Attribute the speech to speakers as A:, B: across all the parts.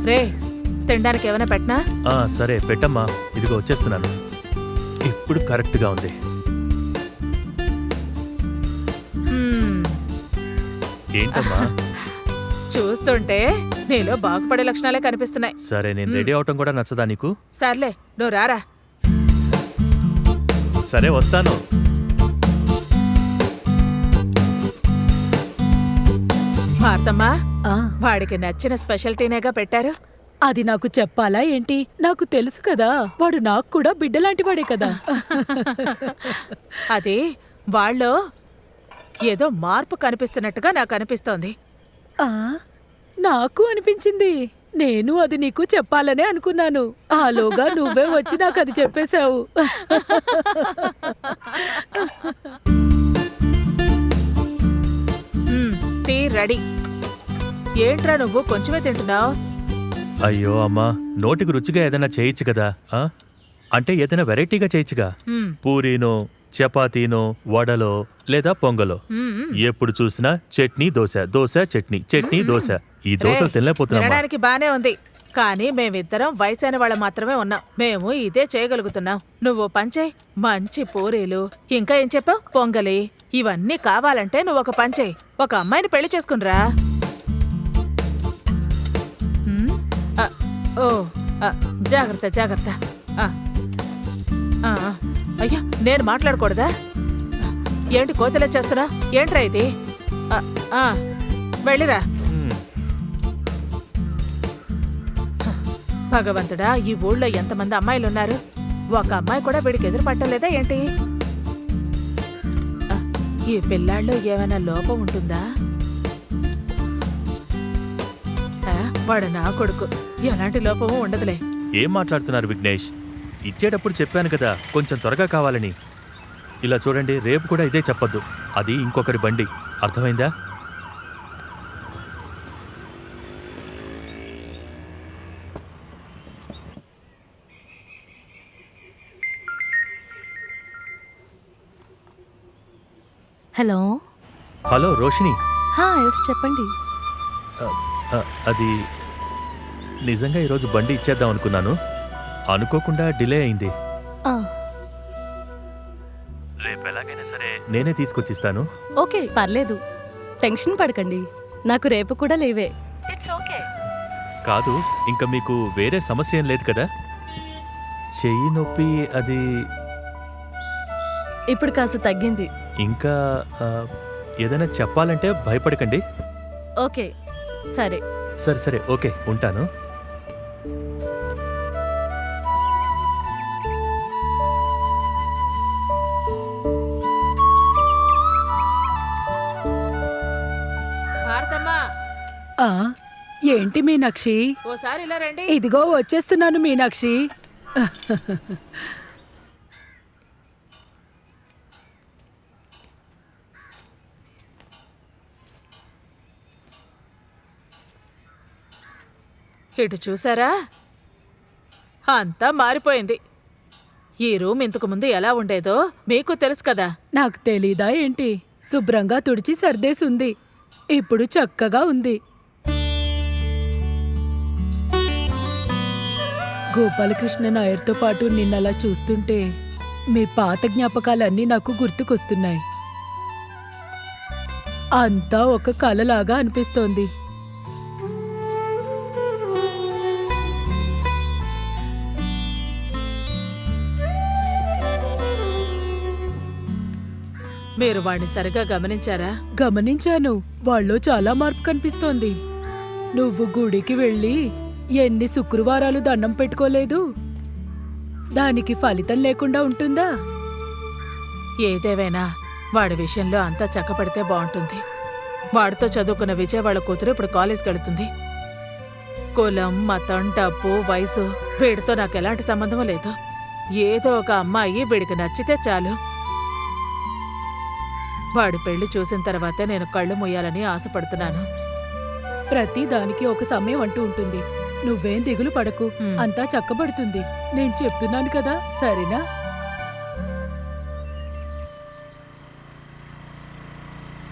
A: రే తినడానికి ఏమైనా పెట్టనా?
B: సరే పెట్టమ్మా, ఇదిగో వచ్చేస్తున్నాను. ఇప్పుడు కరెక్ట్గా ఉంది. ఏంటమ్మా?
A: చూస్తుంటే నీలో బాగుపడే లక్షణాలే కనిపిస్తున్నాయి.
B: సరే, నేను రెడీ అవటం కూడా నచ్చదా నీకు?
A: సర్లే నువ్వు రారా.
B: సరే వస్తాను.
A: భారతమ్మా, వాడికి నచ్చిన స్పెషల్టీనేగా పెట్టారు.
C: అది నాకు చెప్పాలా ఏంటి? నాకు తెలుసు కదా, వాడు నాకు కూడా బిడ్డలాంటి వాడే కదా.
A: అది వాళ్ళో ఏదో మార్పు కనిపిస్తున్నట్టుగా నాకు అనిపిస్తోంది.
C: నాకు అనిపించింది. నేను అది నీకు చెప్పాలనే అనుకున్నాను. ఆలోగా నువ్వే వచ్చి నాకు అది చెప్పేశావు.
A: Tea ready. ఏంట్రా నువ్వు కొంచెమే తింటున్నావు?
B: అయ్యో అమ్మా, నోటికి రుచిగా ఏదైనా చేయొచ్చు కదా. అంటే ఏదైనా వెరైటీగా చేయొచ్చుగా. పూరీనో, చపాతీనో, వడలో లేదా పొంగలో. ఎప్పుడు చూసినా చట్నీ దోశ, దోశ చట్నీ, చట్నీ దోశ. ఈ దోశలు తినలేకపోతున్నా.
A: తినడానికి బానే ఉంది, కానీ మేమిద్దరం వయసైన వాళ్ళం మాత్రమే ఉన్నాం. మేము ఇదే చేయగలుగుతున్నాం. నువ్వు పంచే మంచి పూరీలు, ఇంకా ఏం చెప్పావు, పొంగలి, ఇవన్నీ కావాలంటే నువ్వు ఒక పంచే, ఒక అమ్మాయిని పెళ్లి చేసుకునిరా. ఓ జాగ్రత్త జాగ్రత్త. అయ్యా, నేను మాట్లాడకూడదా? ఏంటి కోతలే చేస్తున్నా? ఏంట్రా ఇది? వెళ్ళిరా. భగవంతుడా, ఈ ఊళ్ళో ఎంతమంది అమ్మాయిలున్నారు, ఒక అమ్మాయి కూడా వీడికి ఎదురు పట్టలేదా ఏంటి? ఈ పిల్లాళ్ళలో ఏమైనా లోపం ఉంటుందా? వాడు నా కొడుకు, ఎలాంటి లోపము ఉండదులే.
B: ఏం మాట్లాడుతున్నారు విఘ్నేష్? ఇచ్చేటప్పుడు చెప్పాను కదా కొంచెం త్వరగా కావాలని. ఇలా చూడండి, రేపు కూడా ఇదే చెప్పొద్దు. అది ఇంకొకరి బండి, అర్థమైందా?
D: హలో.
B: హలో రోషిని.
D: ఎస్ చెప్పండి.
B: అది నిజంగా ఈరోజు బండి ఇచ్చేద్దాం అనుకున్నాను, అనుకోకుండా డిలే అయింది. రేపు ఎలాగైనా సరే నేనే తీసుకొచ్చిస్తాను.
D: ఓకే, పర్లేదు, టెన్షన్ పడకండి, నాకు రేపు కూడా లేవే. It's okay.
B: కాదు, ఇంకా మీకు వేరే సమస్య ఏం లేదు కదా? చెయ్యి నొప్పి అది
D: ఇప్పుడు కాస్త తగ్గింది.
B: ఇంకా ఏదైనా చెప్పాలంటే భయపడకండి.
D: ఓకే సరే.
B: సరే సరే, ఓకే, ఉంటాను.
C: ఏంటి మీనాక్షి?
A: ఓసారి ఇలా రండి.
C: ఇదిగో వచ్చేస్తున్నాను మీనాక్షి.
A: ఇటు చూసారా, అంతా మారిపోయింది. ఈ రూమ్ ఇంతకు ముందు ఎలా ఉండేదో మీకు తెలుసు కదా.
C: నాకు తెలీదా ఏంటి? శుభ్రంగా తుడిచి సర్దేసుంది, ఇప్పుడు చక్కగా ఉంది. గోపాలకృష్ణ నాయర్తో పాటు నిన్నలా చూస్తుంటే మీ పాత జ్ఞాపకాలన్నీ నాకు గుర్తుకొస్తున్నాయి. అంతా ఒక కలలాగా అనిపిస్తోంది.
A: మీరు వాడిని సరిగా గమనించారా?
C: గమనించాను, వాళ్ళలో చాలా మార్పు కనిపిస్తోంది. నువ్వు గుడికి వెళ్ళి ఎన్ని శుక్రవారాలు దండం పెట్టుకోలేదు, దానికి ఫలితం లేకుండా ఉంటుందా?
A: ఏదేవైనా వాడి విషయంలో అంతా చక్కపడితే బాగుంటుంది. వాడితో చదువుకున్న విజయ్ వాళ్ళ కూతురు ఇప్పుడు కాలేజ్కి వెళుతుంది. కులం, మతం, డబ్బు, వయసు వీడితో నాకు ఎలాంటి సంబంధం లేదు. ఏదో ఒక అమ్మాయి వీడికి నచ్చితే చాలు. వాడి పెళ్లి చూసిన తర్వాతే నేను కళ్ళు మూయాలని ఆశపడుతున్నాను.
C: ప్రతి దానికి ఒక సమయం అంటూ ఉంటుంది. నువ్వేం దిగులు పడకు, అంతా చక్కబడుతుంది. నేను చెప్తున్నాను కదా, సరేనా?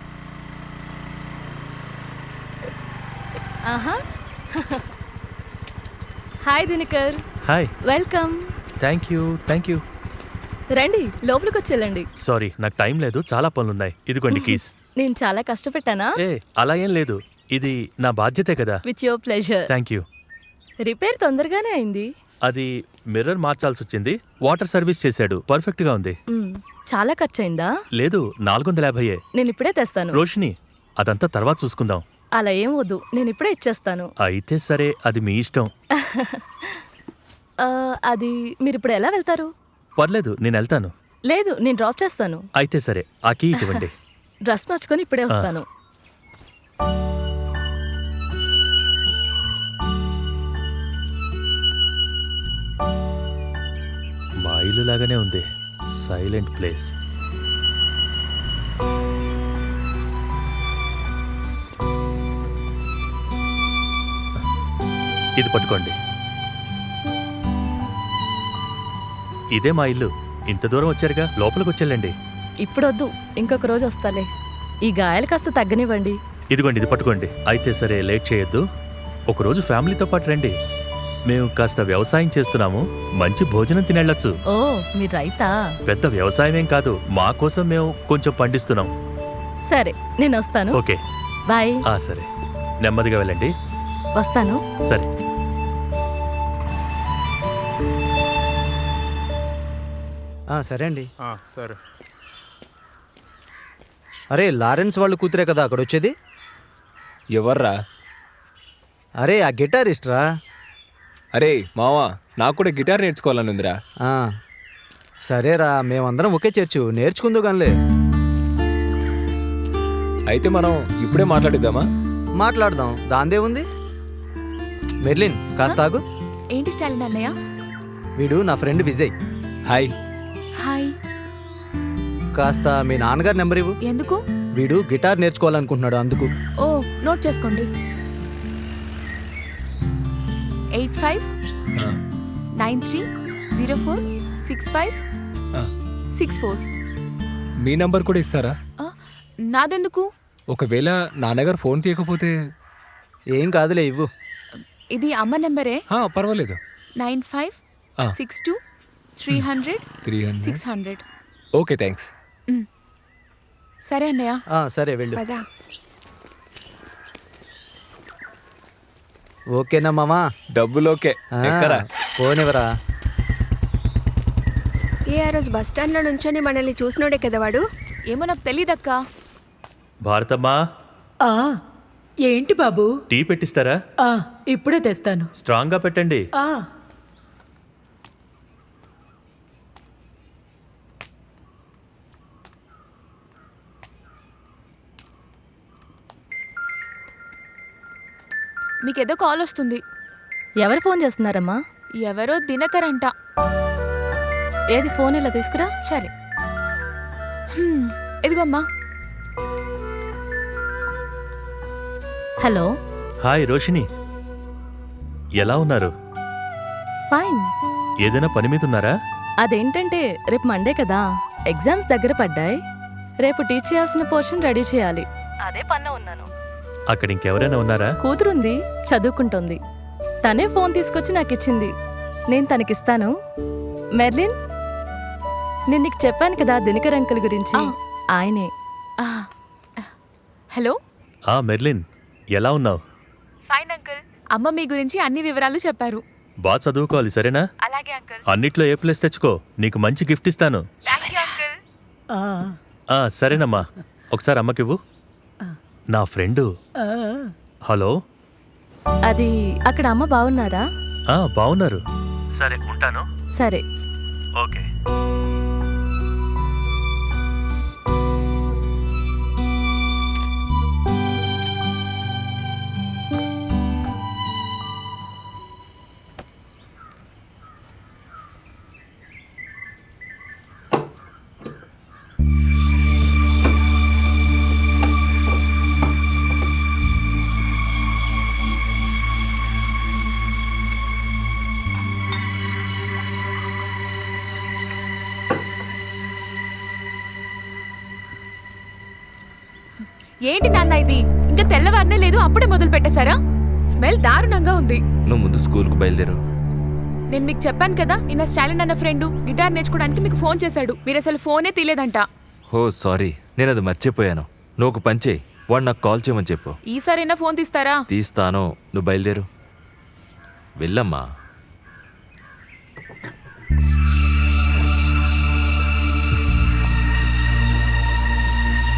D: ఆహా, hi Dinakar,
B: hi.
D: Welcome.
B: Thank you.
D: రండి, లోపలికి వచ్చేళ్ళండి.
B: సారీ, నాకు టైం లేదు, చాలా పనులున్నాయి. ఇదిగోండి కీస్.
D: నేను చాలా కష్టపెట్టానా?
B: ఏ అలా ఏం లేదు, ఇది నా బాధ్యతే కదా.
D: With your pleasure.
B: Thank you.
D: Repair తొందరగానే అయింది.
B: అది మిర్రర్ మార్చాల్సి వచ్చింది. వాటర్ సర్వీస్ చేశాడు, పర్ఫెక్ట్ గా ఉంది.
D: చాలా ఖర్చయిందా?
B: లేదు, 450.
D: నేను ఇప్పుడే తెస్తాను.
B: రోషిని, అదంతా తర్వాత చూసుకుందాం.
D: అలా ఏం వద్దు, నేను ఇప్పుడే ఇచ్చేస్తాను.
B: అయితే సరే, అది మీ ఇష్టం.
D: అది మీరు ఇప్పుడు ఎలా వెళ్తారు?
B: పర్లేదు, నేను వెళ్తాను.
D: లేదు, నేను డ్రాప్ చేస్తాను.
B: అయితే సరే, ఆ కీ ఇవ్వండి.
D: డ్రెస్ మార్చుకొని ఇప్పుడే వస్తాను.
B: మా ఇల్లు లాగానే ఉంది, సైలెంట్ ప్లేస్. ఇది పట్టుకోండి. ఇదే మా ఇల్లు. ఇంత దూరం వచ్చారుగా, లోపలికి వచ్చేళ్ళండి.
D: ఇప్పుడు వద్దు, ఇంకొక రోజు వస్తాలే. ఈ గాయాలు కాస్త తగ్గనివ్వండి.
B: ఇదిగోండి, ఇది పట్టుకోండి. అయితే సరే, లేట్ చేయొద్దు. ఒకరోజు ఫ్యామిలీతో పాటు రండి. మేము కాస్త వ్యవసాయం చేస్తున్నాము, మంచి భోజనం తినెళ్ళొచ్చు.
D: ఓ, మీరు రైతా?
B: పెద్ద వ్యవసాయమేం కాదు, మా కోసం మేము కొంచెం పండిస్తున్నాం.
D: సరే, నేను వస్తాను.
B: Okay,
D: bye.
B: సరే, నెమ్మదిగా వెళ్ళండి.
D: వస్తాను.
B: సరే.
E: సరే అండి.
F: సరే.
E: అరే, లారెన్స్ వాళ్ళు కూతురే కదా అక్కడ వచ్చేది?
F: ఎవర్రా?
E: అరే, ఆ గిటారిస్ట్ రా.
F: అరే మావా, నాకు కూడా గిటార్ నేర్చుకోవాలని ఉందిరా.
E: సరేరా, మేమందరం ఒకే చేర్చు, నేర్చుకుందు గానిలే.
F: అయితే మనం ఇప్పుడే మాట్లాడిద్దామా?
E: మాట్లాడదాం, దాందే ఉంది. మెర్లిన్, కాస్త ఆగు.
G: ఏంటి స్టాలిన్ అన్నయ్య?
E: వీడు నా ఫ్రెండ్ విజయ్.
F: హాయ్.
G: హాయ్.
E: కాస్త మీ నాన్నగారి నెంబర్ ఇవ్వు.
G: ఎందుకు?
E: వీడు గిటార్ నేర్చుకోవాలనుకుంటున్నాడు, అందుకు.
G: ఓ, నోట్ చేసుకోండి. 8593046564.
F: మీ నంబర్ కూడా ఇస్తారా?
G: నాదెందుకు?
F: ఒకవేళ నాన్నగారు ఫోన్ తీయకపోతే?
E: ఏం కాదులే, ఇవ్వు.
G: ఇది అమ్మ నెంబరే.
F: పర్వాలేదు.
G: 9562300600.
F: Okay, thanks.
G: సరే అన్నయ్య.
E: సరే, వెళ్ళు. ఓకేనా మామా?
F: డబ్బులు ఓకే. ఎక్కరా?
E: పోనివరా.
H: ఆ రోజు బస్ స్టాండ్ లో నుంచొని మనల్ని చూసినోడే కదా వాడు.
G: ఏమో నాకు తెలీదక్కా.
B: భారతమ్మా,
C: ఏంటి బాబు?
B: టీ పెట్టిస్తారా?
C: ఇప్పుడే తెస్తాను.
B: స్ట్రాంగ్ గా పెట్టండి.
G: మీకేదో కాల్ వస్తుంది.
D: ఎవరు ఫోన్ చేస్తున్నారమ్మా?
G: ఎవరో దినకర్ అంట.
D: ఏది, ఫోన్ ఇలా తీసుకురా.
G: సరే. ఇదిగోమ్మా.
D: హలో.
B: హాయ్ రోషిని, ఎలా ఉన్నారు?
D: ఫైన్.
B: ఏదైనా పని మీద ఉన్నారా?
D: అదేంటంటే రేపు మండే కదా, ఎగ్జామ్స్ దగ్గర పడ్డాయి. రేపు టీచ్ చేయాల్సిన పోర్షన్ రెడీ చేయాలి. అదే పనిలో ఉన్నాను.
B: అక్కడ ఇంకెవరైనా ఉన్నారా?
D: కూతురుంది, చదువుకుంటోంది. తనే ఫోన్ తీసుకొచ్చి నాకు ఇచ్చింది, నేను తనకిస్తాను. మెర్లిన్, నేను నీకు చెప్పాను కదా దినకర్ అంకుల్ గురించి. ఆయనే.
G: హలో.
B: మెర్లిన్, ఎలా ఉన్నావు?
G: Fine uncle. అమ్మ మీ గురించి అన్ని వివరాలు చెప్పారు.
B: బాగా చదువుకోవాలి, సరేనా?
G: అలాగే అంకుల్.
B: అన్నిట్లో ఏ ప్లేస్ తెచ్చుకో, నీకు మంచి గిఫ్ట్ ఇస్తాను. సరేనమ్మా, ఒకసారి అమ్మకివ్వు. నా ఫ్రెండు. హలో.
D: అది అక్కడ అమ్మ బాగున్నారా?
B: బాగున్నారు. సరే, ఉంటాను.
D: సరే.
B: ఓకే.
G: ఏంటి నాన్న ఇది? ఇంకా తెల్లవారనే లేదు, అప్పుడే మొదలు పెట్టేశారా? స్మెల్ దారుణంగా ఉంది.
I: నువ్వు ముందు స్కూల్కు బయలుదేరు.
G: నేను మీకు చెప్పాను కదా, నిన్న స్టాలిన్ అన్న ఫ్రెండ్ గిటార్ నేర్చుకోవడానికి మీకు ఫోన్ చేశాడు. మీరు అసలు ఫోనే తీలేదంట.
I: ఓ సారీ, నేను అది మర్చిపోయాను. నువ్వు ఒక పని చేయి, వాడు నాకు కాల్ చేయమని చెప్పు.
G: ఈసారైనా ఫోన్ తీస్తారా?
I: తీస్తాను, నువ్వు బయలుదేరు. వెళ్ళమ్మా.